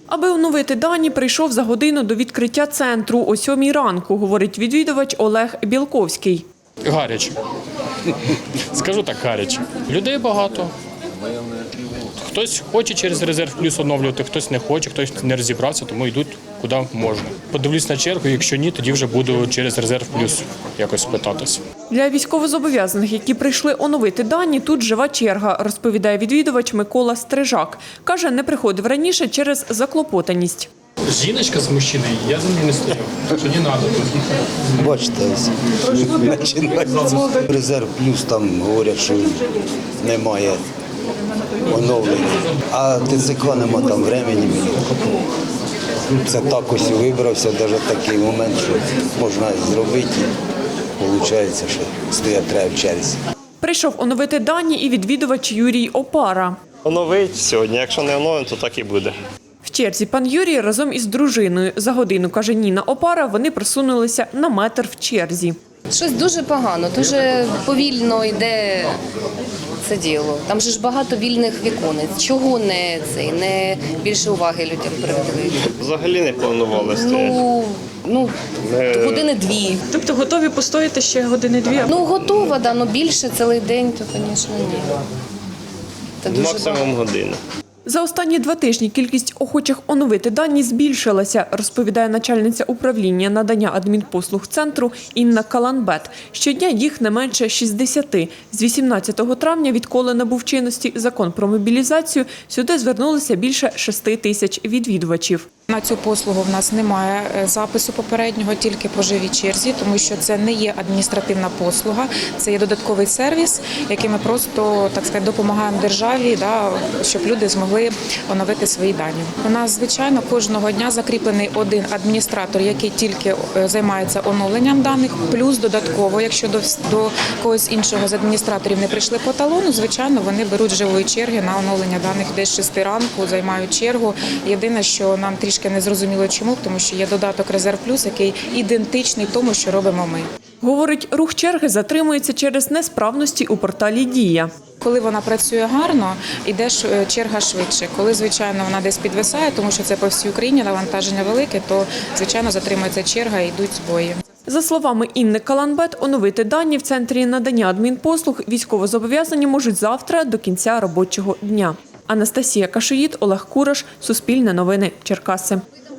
Аби оновити дані, прийшов за годину до відкриття центру о 7 ранку, говорить відвідувач Олег Білковський. Гаряче. Скажу так, гаряче. Людей багато. Хтось хоче через резерв плюс оновлювати, хтось не хоче, хтось не розібрався, тому йдуть куди можна. Подивлюсь на чергу, якщо ні, тоді вже буду через резерв плюс якось питатися. Для військовозобов'язаних, які прийшли оновити дані, тут жива черга, розповідає відвідувач Микола Стрижак. Каже, не приходив раніше через заклопотаність. Жіночка з мужчиною, я за нею не стою, так що не треба тут. Бачите, починається. Резерв плюс там говорять, що немає оновлення. А ТЦК нема там времени. Це так ось вибрався, навіть такий момент, що можна зробити. Виходить, що стоять треба в черзі. Прийшов оновити дані і відвідувач Юрій Опара. Оновить сьогодні, якщо не оновимо, то так і буде. В черзі пан Юрій разом із дружиною. За годину, каже Ніна Опара, вони просунулися на метр в черзі. Щось дуже погано, дуже повільно йде це діло. Там же ж багато вільних віконець. Чого не більше уваги людям приділити? Взагалі не планували стояти. Ну, години-дві. Тобто готові постояти ще години-дві? Ну, готова, да, але більше цілий день, то, звісно, ні. Це дуже Максимум багато. годину. За останні 2 тижні кількість охочих оновити дані збільшилася, розповідає начальниця управління надання адмінпослуг центру Інна Каланбет. Щодня їх не менше 60. З 18 травня, відколи набув чинності закон про мобілізацію, сюди звернулися більше 6 тисяч відвідувачів. На цю послугу в нас немає запису попереднього, тільки по живій черзі, тому що це не є адміністративна послуга, це є додатковий сервіс, яким ми просто, так сказати, допомагаємо державі, щоб люди змогли оновити свої дані. У нас, звичайно, кожного дня закріплений один адміністратор, який тільки займається оновленням даних, плюс додатково, якщо до когось іншого з адміністраторів не прийшли по талону, звичайно, вони беруть живої черги на оновлення даних десь з 6 ранку, займають чергу. Єдине, що нам трішки не зрозуміло чому, тому що є додаток «Резерв Плюс», який ідентичний тому, що робимо ми. Говорить, рух черги затримується через несправності у порталі «Дія». Коли вона працює гарно, йде черга швидше. Коли, звичайно, вона десь підвисає, тому що це по всій Україні, навантаження велике, то, звичайно, затримується черга і йдуть збої. За словами Інни Каланбет, оновити дані в Центрі надання адмінпослуг військовозобов'язані можуть завтра до кінця робочого дня. Анастасія Кашиїд, Олег Кураш, Суспільне новини, Черкаси.